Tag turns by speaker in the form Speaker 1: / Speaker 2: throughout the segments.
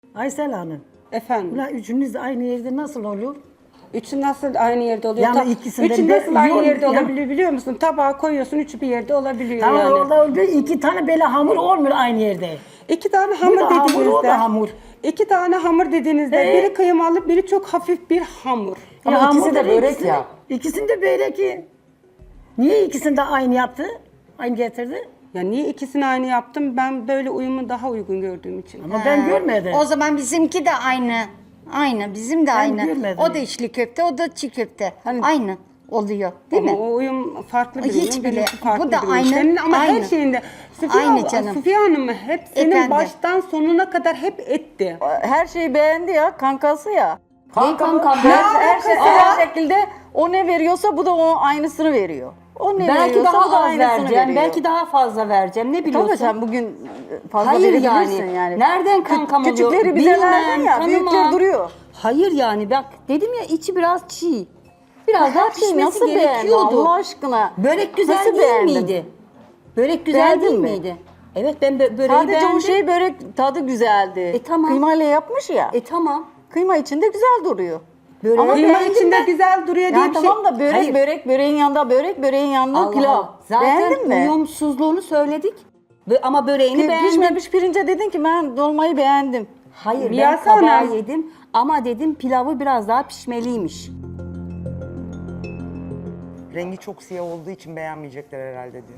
Speaker 1: Aysel Hanım.
Speaker 2: Efendim.
Speaker 1: Ulan üçünüz de aynı yerde nasıl oluyor?
Speaker 2: Üçü nasıl aynı yerde oluyor?
Speaker 1: Yani ikisinden
Speaker 2: Üçü
Speaker 1: de
Speaker 2: nasıl aynı
Speaker 1: yok
Speaker 2: yerde
Speaker 1: ya.
Speaker 2: olabiliyor biliyor musun? Tabağa koyuyorsun, üçü bir yerde olabiliyor
Speaker 1: Tamam
Speaker 2: yani.
Speaker 1: orada oldu. İki tane böyle hamur olmuyor aynı yerde.
Speaker 2: İki tane
Speaker 1: Bu
Speaker 2: hamur
Speaker 1: da hamur,
Speaker 2: dediğinizde.
Speaker 1: o da hamur.
Speaker 2: İki tane hamur dediğinizde biri kıymalı, biri çok hafif bir hamur.
Speaker 3: Ama
Speaker 1: Ya
Speaker 3: ikisi
Speaker 1: hamur
Speaker 3: de
Speaker 1: dedi,
Speaker 3: börek
Speaker 1: ikisini-
Speaker 3: ya.
Speaker 1: İkisini de börek ki. Niye ikisini de aynı yaptı? Aynı getirdi?
Speaker 2: Ya niye ikisini aynı yaptım? Ben böyle uyumu daha uygun gördüğüm için.
Speaker 1: Ama ben görmedim.
Speaker 4: O zaman bizimki de aynı. Aynı, bizim de aynı.
Speaker 1: görmedim.
Speaker 4: O da içli köfte, o da çiğ köfte. Aynı oluyor, değil
Speaker 2: Ama
Speaker 4: mi?
Speaker 2: o uyum farklı bir
Speaker 4: Hiç
Speaker 2: uyum,
Speaker 4: bile.
Speaker 2: benimki farklı
Speaker 4: Bu da
Speaker 2: bir uyum.
Speaker 4: aynı,
Speaker 2: Senin ama her
Speaker 4: aynı.
Speaker 2: şeyinde Süfiye,
Speaker 4: Aynı canım.
Speaker 2: Süfiye Hanım hep senin
Speaker 4: Efendim?
Speaker 2: baştan sonuna kadar hep etti.
Speaker 5: Her şeyi beğendi ya, kankası ya.
Speaker 3: Kanka mı?
Speaker 5: Her şekilde o ne veriyorsa bu da o aynısını veriyor. O ne
Speaker 6: Belki
Speaker 5: veriyorsa
Speaker 6: daha
Speaker 5: bu da
Speaker 6: az
Speaker 5: aynısını
Speaker 6: vereceğim,
Speaker 5: veriyor.
Speaker 6: belki daha fazla vereceğim. Ne biliyorsun?
Speaker 5: Tabii sen bugün fazla
Speaker 6: Hayır
Speaker 5: verebilirsin
Speaker 6: yani. Nereden kankam oluyor?
Speaker 5: Küçükleri bize
Speaker 6: Bilmem,
Speaker 5: verdin ya,
Speaker 6: tanımam.
Speaker 5: büyükleri duruyor.
Speaker 6: Hayır yani bak dedim ya içi biraz çiğ. Biraz daha
Speaker 5: Her şeyi
Speaker 6: pişmesi
Speaker 5: nasıl beğendin
Speaker 6: gerekiyordu.
Speaker 5: Allah aşkına?
Speaker 6: Börek güzel
Speaker 5: Nasıl
Speaker 6: değil
Speaker 5: beğendin?
Speaker 6: miydi? Börek güzel
Speaker 5: Beğendin
Speaker 6: değil
Speaker 5: mi?
Speaker 6: miydi? Evet ben böreği
Speaker 5: Sadece
Speaker 6: beğendim.
Speaker 5: o şey börek tadı güzeldi.
Speaker 6: Tamam.
Speaker 5: Kıymayla yapmış ya.
Speaker 6: Tamam.
Speaker 5: Kıyma içinde güzel duruyor.
Speaker 6: Böreği
Speaker 5: Ama
Speaker 2: Kıyma
Speaker 5: beğendim
Speaker 2: içinde
Speaker 5: ben.
Speaker 2: güzel duruyor diye
Speaker 5: Ya
Speaker 2: bir şey.
Speaker 5: tamam da börek
Speaker 6: Hayır.
Speaker 5: börek böreğin yanında börek böreğin yanında
Speaker 6: Allah
Speaker 5: pilav.
Speaker 6: Allah. Zaten
Speaker 5: Beğendin mi?
Speaker 6: uyumsuzluğunu söyledik. Ama böreğini beğendim.
Speaker 5: Pişmemiş pirince dedin ki ben dolmayı beğendim.
Speaker 6: Hayır ben
Speaker 2: Miyase
Speaker 6: kabağı
Speaker 2: Hanım.
Speaker 6: yedim ama dedim pilavı biraz daha pişmeliymiş.
Speaker 3: Rengi çok siyah olduğu için beğenmeyecekler herhalde diyor.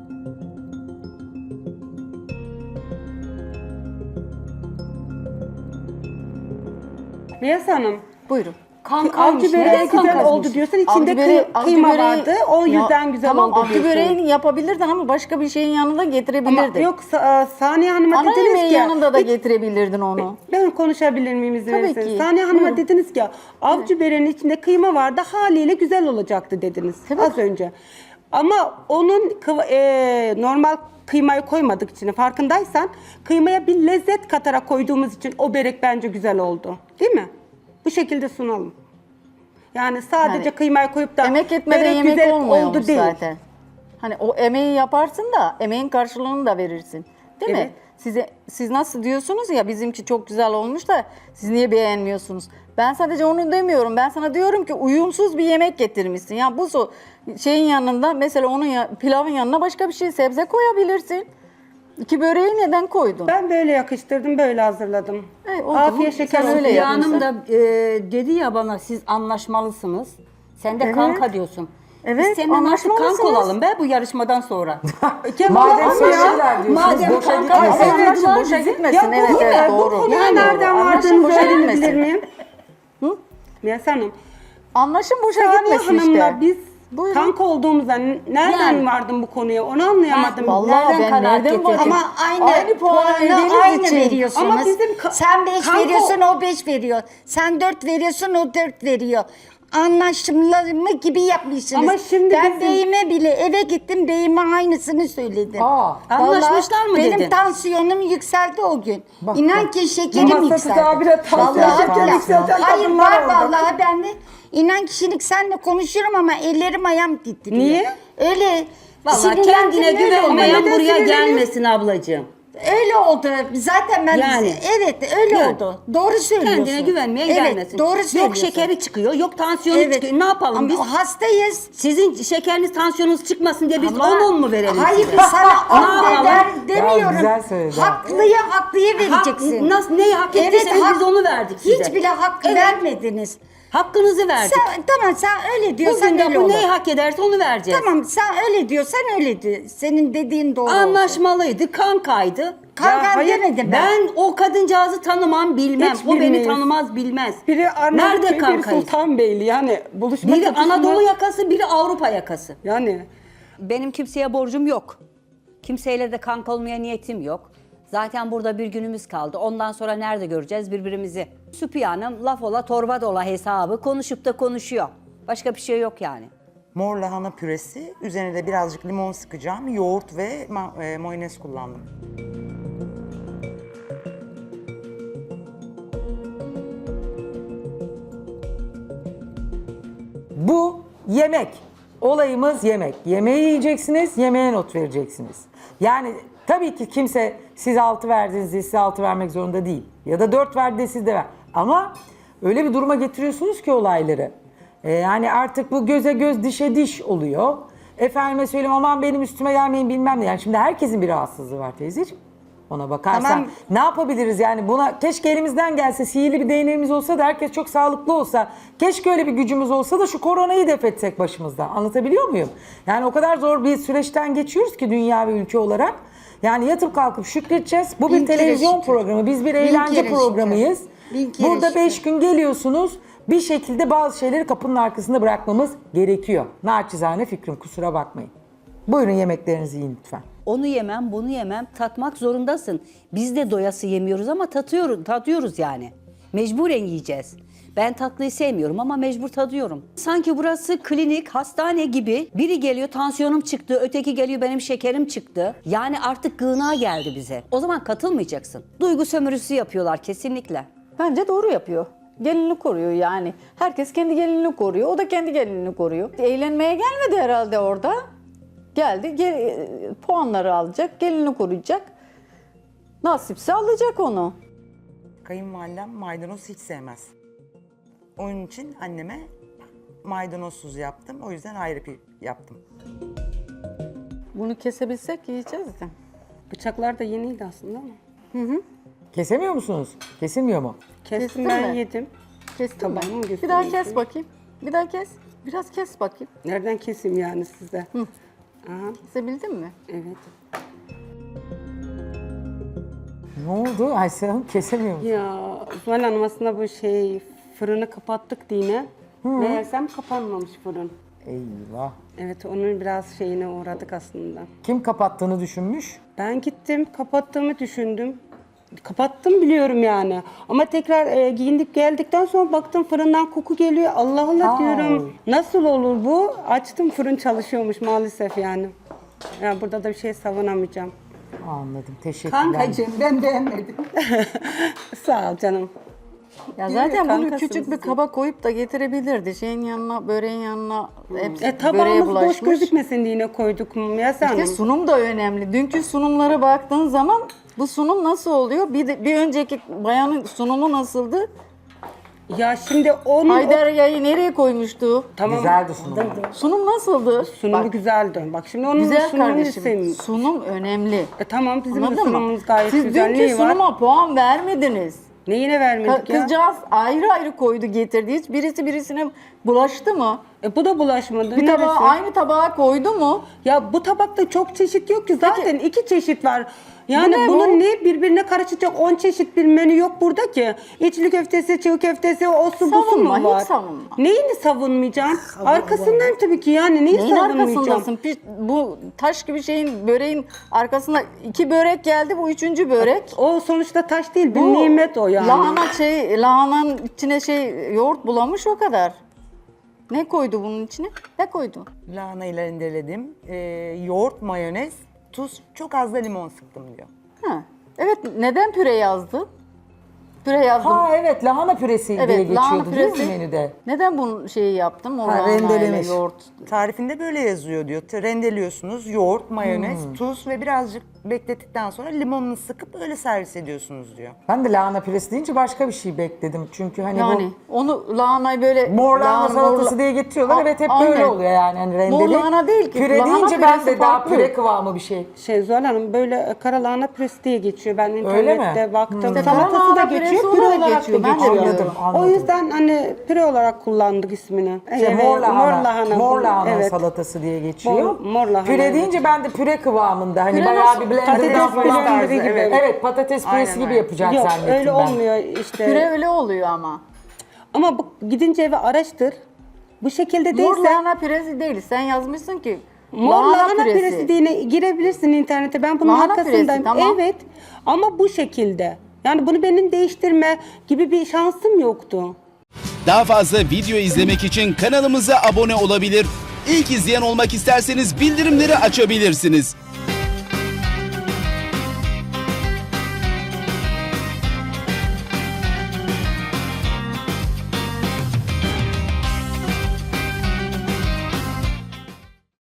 Speaker 2: Miyas Hanım.
Speaker 5: Buyurun.
Speaker 6: Kankaymış.
Speaker 2: Avcı böreği
Speaker 6: Neden
Speaker 2: güzel
Speaker 6: kankaymış?
Speaker 2: oldu diyorsun. İçinde
Speaker 5: Avcı
Speaker 2: kıyma
Speaker 5: böreği-
Speaker 2: vardı. O
Speaker 5: Ya,
Speaker 2: yüzden güzel
Speaker 5: tamam,
Speaker 2: oldu
Speaker 5: avcı
Speaker 2: diyorsun.
Speaker 5: böreğini yapabilirdin ama başka bir şeyin yanında
Speaker 2: Ama
Speaker 5: getirebilirdin.
Speaker 2: yok Saniye Hanım'a
Speaker 5: Ana
Speaker 2: dediniz
Speaker 5: yemeğin
Speaker 2: ki.
Speaker 5: yanında da getirebilirdin onu.
Speaker 2: Ben konuşabilir miyim izin
Speaker 5: Tabii
Speaker 2: verirseniz?
Speaker 5: ki.
Speaker 2: Saniye Hanım'a
Speaker 5: Buyurun.
Speaker 2: dediniz ki avcı böreğinin içinde kıyma vardı haliyle güzel olacaktı dediniz az önce. Ama onun normal kıymayı koymadık içine farkındaysan kıymaya bir lezzet katarak koyduğumuz için o börek bence güzel oldu. Değil mi? Bu şekilde sunalım. Yani sadece
Speaker 5: Yani
Speaker 2: kıymayı koyup da
Speaker 5: Emek etmeden
Speaker 2: börek
Speaker 5: yemek
Speaker 2: güzel
Speaker 5: olmuyormuş
Speaker 2: oldu değil.
Speaker 5: zaten. Hani o emeği yaparsın da emeğin karşılığını da verirsin. Değil
Speaker 2: Evet.
Speaker 5: mi? Siz nasıl diyorsunuz ya bizimki çok güzel olmuş da siz niye beğenmiyorsunuz? Ben sadece onu demiyorum. Ben sana diyorum ki uyumsuz bir yemek getirmişsin. Ya bu şeyin yanında mesela onun pilavın yanına başka bir şey sebze koyabilirsin. İki böreği neden koydun?
Speaker 2: Ben böyle yakıştırdım, böyle hazırladım.
Speaker 5: O zaman
Speaker 2: Afiyet şeker
Speaker 5: sen
Speaker 2: olsun.
Speaker 5: öyle
Speaker 6: Hülya
Speaker 5: yapmışsın.
Speaker 6: Hanım da dedi ya bana siz anlaşmalısınız. Sen de
Speaker 5: Evet.
Speaker 6: kanka diyorsun.
Speaker 5: Evet,
Speaker 6: Biz seninle artık kanka
Speaker 5: anlaşmalısınız.
Speaker 6: olalım be bu yarışmadan sonra.
Speaker 3: Madem
Speaker 2: Ama
Speaker 3: sevgililer diyorsunuz,
Speaker 6: Madem
Speaker 3: boşa
Speaker 6: kanka
Speaker 3: gitmesin.
Speaker 5: Evet,
Speaker 6: anlaştılar
Speaker 5: boşa
Speaker 6: bizi.
Speaker 5: gitmesin.
Speaker 2: Ya bu,
Speaker 5: Evet, evet,
Speaker 2: bu
Speaker 5: doğru.
Speaker 2: konuya
Speaker 5: Yani
Speaker 2: nereden
Speaker 5: doğru.
Speaker 2: vardığınızı
Speaker 5: Anlaşın, boşa
Speaker 2: öğrenebilir
Speaker 5: gitmesin.
Speaker 2: miyim? Miyas Hanım.
Speaker 5: Anlaşın boşa
Speaker 2: Saniye
Speaker 5: gitmesin
Speaker 2: Hanım'la
Speaker 5: işte.
Speaker 2: biz
Speaker 5: Buyurun.
Speaker 2: kanka olduğumuzdan nereden
Speaker 6: Yani.
Speaker 2: vardın bu konuya onu anlayamadım.
Speaker 5: Vallahi
Speaker 6: Nereden
Speaker 5: ben
Speaker 6: kanaat
Speaker 5: nereden
Speaker 6: getirdin?
Speaker 5: bakayım?
Speaker 4: Ama aynı
Speaker 5: puanı verdiğiniz
Speaker 4: aynı
Speaker 5: için.
Speaker 4: veriyorsunuz.
Speaker 2: Ama bizim
Speaker 4: sen 5
Speaker 2: kanka-
Speaker 4: veriyorsun, o 5 veriyor. Sen 4 veriyorsun, o 4 veriyor. Anlaşmalı gibi yapmışsınız.
Speaker 2: Ama şimdi
Speaker 4: ben
Speaker 2: bizim-
Speaker 4: beyime bile eve gittim, beyime aynısını söyledim.
Speaker 6: Anlaşmışlar mı
Speaker 4: benim
Speaker 6: dedin?
Speaker 4: tansiyonum yükseldi o gün. İnan ki şekerim
Speaker 2: Masası
Speaker 4: yükseldi.
Speaker 2: daha bile tansiyon,
Speaker 4: Vallahi
Speaker 2: şeker
Speaker 4: billahi.
Speaker 2: yükselten
Speaker 4: Hayır
Speaker 2: kadınlar
Speaker 4: var
Speaker 2: oldu.
Speaker 4: vallahi ben de. İnan kişilik senle konuşurum ama ellerim ayağım titriyor.
Speaker 2: Niye?
Speaker 4: Öyle.
Speaker 6: Vallahi
Speaker 4: sinirlendim,
Speaker 6: kendine
Speaker 4: öyle
Speaker 6: güvenmeyen
Speaker 4: oldu.
Speaker 2: neden
Speaker 6: buraya
Speaker 2: sinirleniyorsun?
Speaker 6: gelmesin ablacığım.
Speaker 4: Öyle oldu. Zaten ben
Speaker 6: Yani.
Speaker 4: evet öyle
Speaker 6: Yani.
Speaker 4: oldu. Doğru söylüyorsun.
Speaker 6: Kendine güvenmeyen
Speaker 4: evet,
Speaker 6: gelmesin.
Speaker 4: Doğru
Speaker 6: Yok
Speaker 4: söylüyorsun.
Speaker 6: şekeri çıkıyor, yok tansiyonu çıkıyor. Ne yapalım
Speaker 4: Ama
Speaker 6: biz?
Speaker 4: hastayız.
Speaker 6: Sizin şekeriniz, tansiyonunuz çıkmasın diye biz
Speaker 4: Ama-
Speaker 6: 10 mu verelim
Speaker 4: Hayır
Speaker 6: size?
Speaker 4: biz sana
Speaker 6: Ne
Speaker 4: 10
Speaker 6: yapalım?
Speaker 4: demiyorum.
Speaker 3: güzel söyledi.
Speaker 4: Haklıyı vereceksin.
Speaker 6: Nasıl, neyi hak ettiyseniz biz onu verdik size.
Speaker 4: Hiç bile hakkı
Speaker 6: Evet.
Speaker 4: vermediniz.
Speaker 6: Hakkınızı verdik.
Speaker 4: Tamam sen öyle diyorsan
Speaker 6: Bugün de
Speaker 4: öyle
Speaker 6: bu
Speaker 4: olur.
Speaker 6: neyi hak ederse onu vereceğiz.
Speaker 4: Tamam sen öyle diyorsan öyledir. Senin dediğin doğru olsun.
Speaker 6: Anlaşmalıydı, kankaydı.
Speaker 4: Kankam
Speaker 2: hayır,
Speaker 4: demedim ben.
Speaker 6: Ben o kadıncağızı tanımam, bilmem.
Speaker 2: Hiç
Speaker 6: O beni
Speaker 2: bilmeyiz.
Speaker 6: tanımaz, bilmez.
Speaker 2: Biri Arnavutköy,
Speaker 6: Nerede
Speaker 2: biri
Speaker 6: kankayız?
Speaker 2: Sultanbeyli yani buluşma
Speaker 6: Biri
Speaker 2: kapısında-
Speaker 6: Anadolu yakası, biri Avrupa yakası.
Speaker 2: Yani
Speaker 7: Benim kimseye borcum yok. Kimseyle de kanka olmaya niyetim yok. Zaten burada bir günümüz kaldı. Ondan sonra nerede göreceğiz birbirimizi? Süpiye Hanım laf ola torba dola hesabı konuşup da konuşuyor. Başka bir şey yok yani.
Speaker 3: Mor lahana püresi, üzerine de birazcık limon sıkacağım. Yoğurt ve mayonez kullandım.
Speaker 8: Bu yemek. Olayımız yemek. Yemeği yiyeceksiniz, yemeğe not vereceksiniz. Yani tabii ki kimse Siz 6 verdiniz diye size 6 vermek zorunda değil. Ya da 4 verdi diye siz de ver. Ama öyle bir duruma getiriyorsunuz ki olayları. Yani artık bu göze göz dişe diş oluyor. Efendime söyleyeyim aman benim üstüme gelmeyin bilmem ne. Yani şimdi herkesin bir rahatsızlığı var teyzeciğim. Ona bakarsan
Speaker 2: Tamam.
Speaker 8: ne yapabiliriz yani buna keşke elimizden gelse sihirli bir değneğimiz olsa da herkes çok sağlıklı olsa keşke öyle bir gücümüz olsa da şu koronayı def etsek başımızdan anlatabiliyor muyum? Yani o kadar zor bir süreçten geçiyoruz ki dünya ve ülke olarak yani yatıp kalkıp şükredeceğiz. Bu bir
Speaker 4: Bin kere
Speaker 8: televizyon
Speaker 4: şükür.
Speaker 8: programı biz bir
Speaker 4: Bin
Speaker 8: eğlence
Speaker 4: kere
Speaker 8: programıyız.
Speaker 4: şükür. Bin kere
Speaker 8: Burada
Speaker 4: şükür.
Speaker 8: 5 gün geliyorsunuz bir şekilde bazı şeyleri kapının arkasında bırakmamız gerekiyor. Naçizane fikrim kusura bakmayın. Buyurun yemeklerinizi yiyin lütfen.
Speaker 7: Onu yemem, bunu yemem. Tatmak zorundasın. Biz de doyası yemiyoruz ama tadıyoruz yani. Mecburen yiyeceğiz. Ben tatlıyı sevmiyorum ama mecbur tadıyorum. Sanki burası klinik, hastane gibi. Biri geliyor tansiyonum çıktı, öteki geliyor benim şekerim çıktı. Yani artık gına geldi bize. O zaman katılmayacaksın. Duygu sömürüsü yapıyorlar kesinlikle.
Speaker 5: Bence doğru yapıyor. Gelinini koruyor yani. Herkes kendi gelinini koruyor. O da kendi gelinini koruyor. Eğlenmeye gelmedi herhalde orada. Geldi, puanları alacak, gelini koruyacak. Nasipse alacak onu.
Speaker 3: Kayınvalidem maydanoz hiç sevmez. Onun için anneme maydanozsuz yaptım. O yüzden ayrı bir yaptım.
Speaker 5: Bunu kesebilsek yiyeceğiz de.
Speaker 2: Bıçaklar da yeniydi aslında ama.
Speaker 8: Kesemiyor musunuz? Kesilmiyor mu?
Speaker 2: Kestim
Speaker 5: Kestin
Speaker 2: ben
Speaker 5: mi?
Speaker 2: yedim.
Speaker 5: Kestim
Speaker 2: Tamam,
Speaker 5: ben.
Speaker 2: göstereyim
Speaker 5: Bir daha
Speaker 2: size.
Speaker 5: kes bakayım. Bir daha kes. Biraz kes bakayım.
Speaker 2: Nereden keseyim yani size? Aha,
Speaker 5: Kesebildin mi?
Speaker 2: evet.
Speaker 8: Ne oldu Aysel Hanım? Kesemiyor musun?
Speaker 2: Ya Zuhal Hanım aslında bu fırını kapattık dine. Meğersem kapanmamış fırın.
Speaker 8: Eyvah.
Speaker 2: Evet onun biraz şeyine uğradık aslında.
Speaker 8: Kim kapattığını düşünmüş?
Speaker 2: Ben gittim kapattığımı düşündüm. Kapattım biliyorum yani. Ama tekrar giyindik geldikten sonra baktım fırından koku geliyor. Allah Allah
Speaker 8: Aa.
Speaker 2: diyorum. Nasıl olur bu? Açtım fırın çalışıyormuş maalesef yani. Ya burada da bir şey savunamayacağım.
Speaker 8: Anladım. Teşekkürler.
Speaker 6: Kankacığım ben beğenmedim.
Speaker 2: Sağ ol canım.
Speaker 5: Ya zaten bunu
Speaker 2: kankasınız
Speaker 5: küçük bir
Speaker 2: siz.
Speaker 5: kaba koyup da getirebilirdi. Şeyin yanına, böreğin yanına hepsi böreğe
Speaker 2: Tabağımız boş
Speaker 5: bulaşmış.
Speaker 2: gözükmesin diye yine koyduk Yasemin
Speaker 5: İşte
Speaker 2: Hanım.
Speaker 5: sunum da önemli. Dünkü sunumlara baktığın zaman bu sunum nasıl oluyor? Bir önceki bayanın sunumu nasıldı?
Speaker 2: Ya şimdi onun
Speaker 5: Haydarya'yı nereye koymuştu?
Speaker 2: tamam.
Speaker 8: Güzeldi sunum.
Speaker 5: Sunum nasıldı?
Speaker 2: Sunumu
Speaker 5: Bak,
Speaker 2: güzeldi. Bak şimdi onun
Speaker 5: güzel
Speaker 2: sunumunu
Speaker 5: kardeşim.
Speaker 2: istemiyorum.
Speaker 5: Sunum önemli.
Speaker 2: Tamam bizim de
Speaker 5: Anladın mı?
Speaker 2: sunumumuz gayet
Speaker 5: Siz
Speaker 2: güzel.
Speaker 5: dünkü
Speaker 2: Neyi var?
Speaker 5: sunuma puan vermediniz.
Speaker 2: Neyine vermedik ya?
Speaker 5: Kızcağız ayrı ayrı koydu getirdi. Hiç birisi birisine bulaştı mı?
Speaker 2: Bu da bulaşmadı.
Speaker 5: Bir
Speaker 2: Neresi?
Speaker 5: tabağa aynı tabağa koydu mu?
Speaker 2: Ya bu tabakta çok çeşit yok ki. Zaten iki çeşit var. Yani
Speaker 5: Bu ne
Speaker 2: bunun
Speaker 5: bu?
Speaker 2: ne birbirine karışacak 10 çeşit bir menü yok burada ki. İçli köftesi, çiğ köftesi, o su bu su
Speaker 5: Savunma,
Speaker 2: mu var?
Speaker 5: hiç savunma.
Speaker 2: Neyini savunmayacaksın? Arkasından tabii ki yani neyi
Speaker 5: Neyin
Speaker 2: savunmayacağım?
Speaker 5: arkasındasın? Bu taş gibi şeyin böreğin arkasında 2 börek geldi, bu 3. börek.
Speaker 2: O sonuçta taş değil, bir
Speaker 5: Bu
Speaker 2: nimet o yani.
Speaker 5: Lahananın içine yoğurt bulamış o kadar. Ne koydu bunun içine? Ne koydu?
Speaker 3: Lahanayı rendeledim. Yoğurt, mayonez, tuz, çok az da limon sıktım diyor.
Speaker 5: Ha. Evet, neden püre yazdı? Püre yazdım.
Speaker 8: Ha evet lahana püresi
Speaker 5: Evet,
Speaker 8: diye
Speaker 5: lahana
Speaker 8: geçiyordu değil mi
Speaker 5: püresi.
Speaker 8: menüde?
Speaker 5: Neden bunu yaptım? O
Speaker 8: Ha,
Speaker 5: lahanayla
Speaker 8: rendelemiş.
Speaker 5: yoğurt.
Speaker 3: Tarifinde böyle yazıyor diyor. Rendeliyorsunuz, yoğurt, mayonez, tuz ve birazcık beklettikten sonra limonunu sıkıp öyle servis ediyorsunuz diyor.
Speaker 8: Ben de lahana püresi deyince başka bir şey bekledim. Çünkü hani
Speaker 5: Yani onu lahanayı böyle...
Speaker 8: mor lahana salatası
Speaker 5: mor-
Speaker 8: diye getiriyorlar.
Speaker 5: A-
Speaker 8: Evet hep
Speaker 5: aynen.
Speaker 8: böyle oluyor yani. Hani rendeli.
Speaker 5: Mor lahana değil ki.
Speaker 8: Püre
Speaker 5: Lahana
Speaker 8: deyince ben de
Speaker 5: püresi
Speaker 8: daha
Speaker 5: farklı.
Speaker 8: püre kıvamı bir şey.
Speaker 2: Zuhal Hanım böyle kara lahana püresi diye geçiyor. Ben
Speaker 8: Öyle mi?
Speaker 2: internette baktım.
Speaker 5: İşte
Speaker 2: Salatası
Speaker 5: kara
Speaker 2: da
Speaker 5: lahana püresi
Speaker 2: geçiyor, püre
Speaker 5: olarak
Speaker 2: olarak
Speaker 5: geçiyor.
Speaker 2: da
Speaker 5: Ben de
Speaker 2: geçiyor.
Speaker 5: biliyorum.
Speaker 8: Anladım.
Speaker 2: O yüzden hani püre olarak kullandık ismini.
Speaker 8: İşte mor lahana, mor lahana
Speaker 2: evet.
Speaker 8: salatası diye geçiyor.
Speaker 2: Mor lahana,
Speaker 8: Püre
Speaker 2: evet.
Speaker 8: deyince ben de püre kıvamında. Hani
Speaker 5: Püre
Speaker 8: bayağı
Speaker 5: nasıl?
Speaker 8: bir blender
Speaker 2: Patates
Speaker 8: falan
Speaker 2: blenderi gibi.
Speaker 8: Evet patates püresi gibi
Speaker 3: öyle.
Speaker 8: yapacak
Speaker 2: Yok
Speaker 8: zannettim
Speaker 2: öyle
Speaker 8: ben.
Speaker 2: olmuyor işte.
Speaker 5: Püre öyle oluyor ama.
Speaker 2: Ama gidince eve araştır. Bu şekilde
Speaker 5: Mor
Speaker 2: değilse
Speaker 5: lahana püresi değil. Sen yazmışsın ki
Speaker 2: mor lahana püresi diye girebilirsin internete. Ben bunun
Speaker 5: Lahana
Speaker 2: arkasındayım.
Speaker 5: püresi, tamam.
Speaker 2: Evet ama bu şekilde. Yani bunu benim değiştirme gibi bir şansım yoktu.
Speaker 9: Daha fazla video izlemek için kanalımıza abone olabilir. İlk izleyen olmak isterseniz bildirimleri açabilirsiniz.